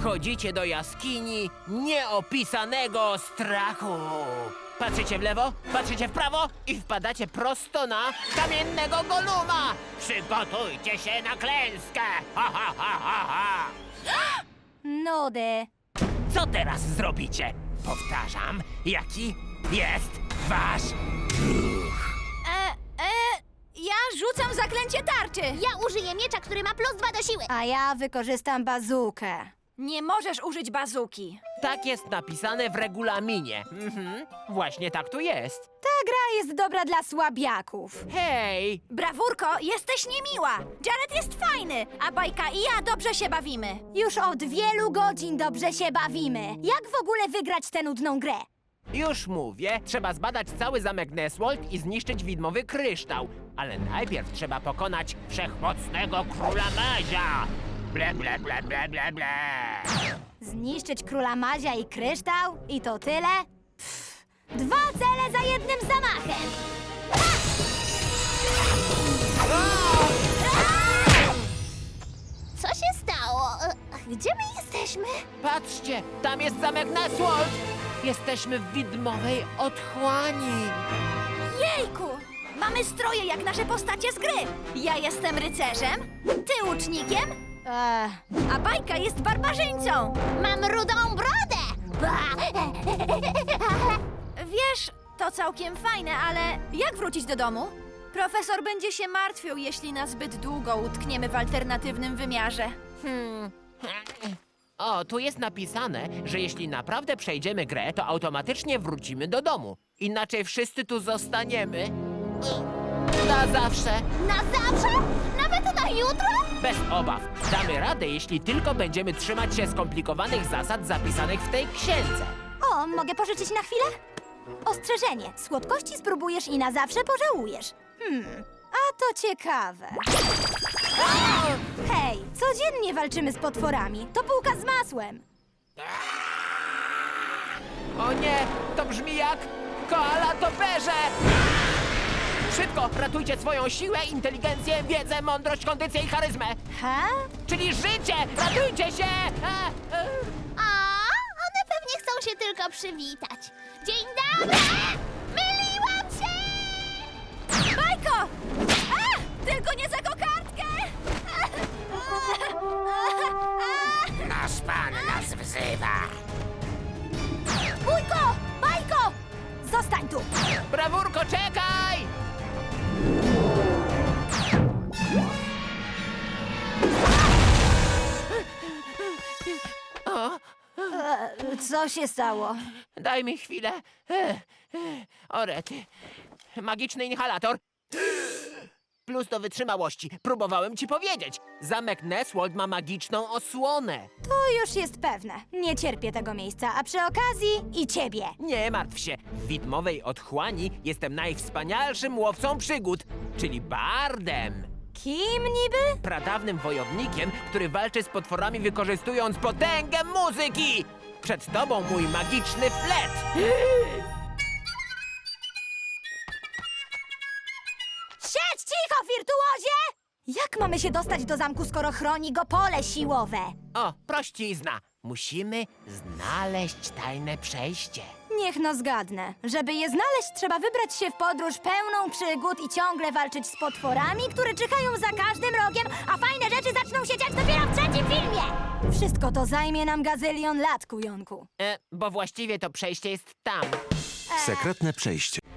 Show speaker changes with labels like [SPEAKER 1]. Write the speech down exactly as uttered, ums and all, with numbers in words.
[SPEAKER 1] Wchodzicie do jaskini nieopisanego strachu. Patrzycie w lewo, patrzycie w prawo i wpadacie prosto na kamiennego Goluma. Przygotujcie się na klęskę. Ha, ha, ha, ha, ha.
[SPEAKER 2] Nudy.
[SPEAKER 1] Co teraz zrobicie? Powtarzam, jaki jest wasz ruch?
[SPEAKER 2] E, e, ja rzucam zaklęcie tarczy.
[SPEAKER 3] Ja użyję miecza, który ma plus dwa do siły.
[SPEAKER 2] A ja wykorzystam bazukę. Nie możesz użyć bazuki.
[SPEAKER 1] Tak jest napisane w regulaminie. Mhm, właśnie tak tu jest.
[SPEAKER 2] Ta gra jest dobra dla słabiaków.
[SPEAKER 1] Hej!
[SPEAKER 2] Brawurko, jesteś niemiła. Jared jest fajny, a Bajka i ja dobrze się bawimy. Już od wielu godzin dobrze się bawimy. Jak w ogóle wygrać tę nudną grę?
[SPEAKER 1] Już mówię, trzeba zbadać cały zamek Neswold i zniszczyć widmowy kryształ. Ale najpierw trzeba pokonać wszechmocnego króla Mazia. Ble, ble, ble, ble, ble, ble.
[SPEAKER 2] Zniszczyć króla Mazia i kryształ? I to tyle? Pff, dwa cele za jednym zamachem.
[SPEAKER 3] Co się stało? Gdzie my jesteśmy?
[SPEAKER 1] Patrzcie, tam jest zamek Neswold. Jesteśmy w widmowej otchłani.
[SPEAKER 2] Jejku! Mamy stroje jak nasze postacie z gry. Ja jestem rycerzem, ty łucznikiem, eee, a Bajka jest barbarzyńcą.
[SPEAKER 3] Mam rudą brodę! Ba!
[SPEAKER 2] Wiesz, to całkiem fajne, ale jak wrócić do domu? Profesor będzie się martwił, jeśli na zbyt długo utkniemy w alternatywnym wymiarze.
[SPEAKER 1] Hmm. O, tu jest napisane, że jeśli naprawdę przejdziemy grę, to automatycznie wrócimy do domu. Inaczej wszyscy tu zostaniemy. Na zawsze.
[SPEAKER 3] Na zawsze? Nawet na jutro?
[SPEAKER 1] Bez obaw. Damy radę, jeśli tylko będziemy trzymać się skomplikowanych zasad zapisanych w tej księdze.
[SPEAKER 2] O, mogę pożyczyć na chwilę? Ostrzeżenie. Słodkości spróbujesz i na zawsze pożałujesz. Hmm, a to ciekawe. Hej, codziennie walczymy z potworami. To bułka z masłem.
[SPEAKER 1] O nie, to brzmi jak koala toperze! Szybko, ratujcie swoją siłę, inteligencję, wiedzę, mądrość, kondycję i charyzmę.
[SPEAKER 2] Ha?
[SPEAKER 1] Czyli życie! Ratujcie się! A, a.
[SPEAKER 3] A, one pewnie chcą się tylko przywitać. Dzień dobry! Myliłam się!
[SPEAKER 2] Bajko! A! Tylko nie za kokardkę!
[SPEAKER 1] Nasz pan nas wzywa.
[SPEAKER 2] Bójko! Bajko! Zostań tu!
[SPEAKER 1] Brawurko, czekaj! O,
[SPEAKER 2] E, co się stało?
[SPEAKER 1] daj mi chwilę. E, e, O rety. Magiczny inhalator. Plus do wytrzymałości. Próbowałem ci powiedzieć. Zamek Neswold ma magiczną osłonę.
[SPEAKER 2] To już jest pewne. Nie cierpię tego miejsca, a przy okazji i ciebie.
[SPEAKER 1] Nie martw się. W widmowej otchłani jestem najwspanialszym łowcą przygód, czyli bardem.
[SPEAKER 2] Kim niby?
[SPEAKER 1] Pradawnym wojownikiem, który walczy z potworami wykorzystując potęgę muzyki. Przed tobą mój magiczny flet.
[SPEAKER 2] Siedź cicho, wirtuozie! Jak mamy się dostać do zamku, skoro chroni go pole siłowe?
[SPEAKER 1] O, prościzna. Musimy znaleźć tajne przejście.
[SPEAKER 2] Niech no zgadnę. Żeby je znaleźć, trzeba wybrać się w podróż pełną przygód i ciągle walczyć z potworami, które czyhają za każdym rogiem, a fajne rzeczy zaczną się dziać dopiero w trzecim filmie! Wszystko to zajmie nam gazylion lat, kujonku.
[SPEAKER 1] E, bo właściwie to przejście jest tam.
[SPEAKER 4] Sekretne przejście.